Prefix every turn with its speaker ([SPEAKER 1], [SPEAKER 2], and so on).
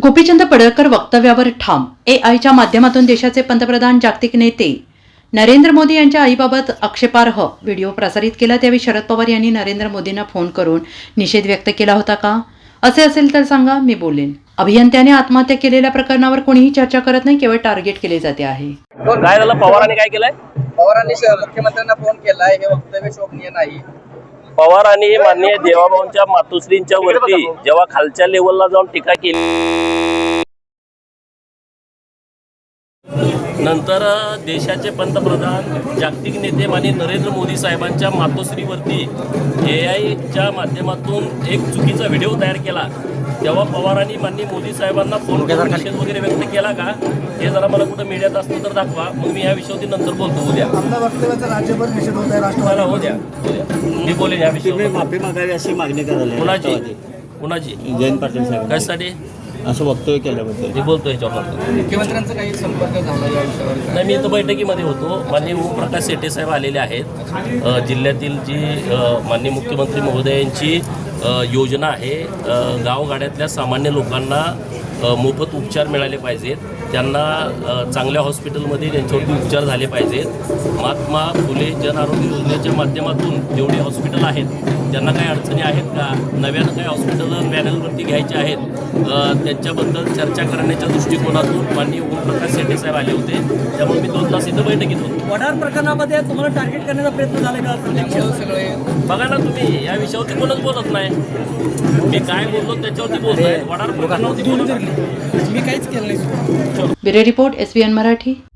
[SPEAKER 1] गोपीचंद पडळकर वक्तव्यावर ठाम. एआयच्या माध्यमातून देशाचे पंतप्रधान जागतिक नेते नरेंद्र मोदी यांच्या आईबाबत आक्षेपार्ह व्हिडिओ प्रसारित केला. त्यावेळी शरद पवार यांनी नरेंद्र मोदींना फोन करून निषेध व्यक्त केला होता का? असे असेल तर सांगा, मी बोलेन. अभियंत्याने आत्महत्या केलेल्या प्रकरणावर कोणीही चर्चा करत नाही, केवळ टार्गेट केले जाते आहे.
[SPEAKER 2] काय झालं? पवारांनी काय केलंय?
[SPEAKER 3] पवारांनी मुख्यमंत्र्यांना फोन केलाय, हे वक्तव्य शोभनीय नाही.
[SPEAKER 2] पवारांनी माननीय देवाभाऊंच्या मातोश्रींच्या वरती जेव्हा खालच्या लेवलला जाऊन टीका केली, नंतर देशाचे पंतप्रधान जागतिक नेते माननीय नरेंद्र मोदी साहेबांच्या मातोश्रीवरती एआयच्या माध्यमातून एक चुकीचा व्हिडिओ तयार केला, तेव्हा पवारांनी माननीय मोदी साहेबांना फोन करून निषेध वगैरे व्यक्त केला का? हे जरा मला कुठं मीडियात असतं तर दाखवा, मग मी या विषयावरती नंतर बोलतो. उद्या
[SPEAKER 4] आपल्या वक्तव्याचा राज्यभर निषेध होत आहे. राष्ट्रवादी
[SPEAKER 2] उद्या मी बोलेन या विषयावर.
[SPEAKER 5] माफी मागावी अशी मागणी करायला
[SPEAKER 2] कुणाची
[SPEAKER 5] जयंत पाटील साहेब
[SPEAKER 2] कशासाठी
[SPEAKER 5] असं वक्तव्य केल्याबद्दल
[SPEAKER 2] मी बोलतो याच्यावर.
[SPEAKER 3] मुख्यमंत्र्यांचा काही संपर्क झाला या विषयावर?
[SPEAKER 2] नाही, मी इथं बैठकीमध्ये होतो. माननीय ओमप्रकाश शेट्टे साहेब आलेले आहेत. जिल्ह्यातील जी माननीय मुख्यमंत्री महोदयांची योजना आहे, गावगाड्यातल्या सामान्य लोकांना मोफत उपचार मिळाले पाहिजेत, त्यांना चांगल्या हॉस्पिटलमध्ये त्यांच्यावरती उपचार झाले पाहिजेत. महात्मा फुले जन आरोग्य योजनेच्या माध्यमातून जेवढे हॉस्पिटल आहेत त्यांना काही अडचणी आहेत का, नव्यानं काही हॉस्पिटल पॅनलवरती घ्यायचे आहेत, त्यांच्याबद्दल चर्चा करण्याच्या दृष्टिकोनातून माननीय ओमप्रकाश शेट्टे साहेब आले होते. त्यामुळे मी 2 तास इथं बैठकीत होतो.
[SPEAKER 4] वडार प्रकरणामध्ये तुम्हाला टार्गेट करण्याचा प्रयत्न झाला का?
[SPEAKER 3] सगळे
[SPEAKER 2] बघा ना तुम्ही, या विषयावरती कोणच बोलत नाही. मी काय बोललो त्याच्यावरती बोलतोय. वडार प्रकरणावरती बोलत नाही.
[SPEAKER 4] मी काहीच केलं नाही.
[SPEAKER 1] Bureau report, SVN Marathi.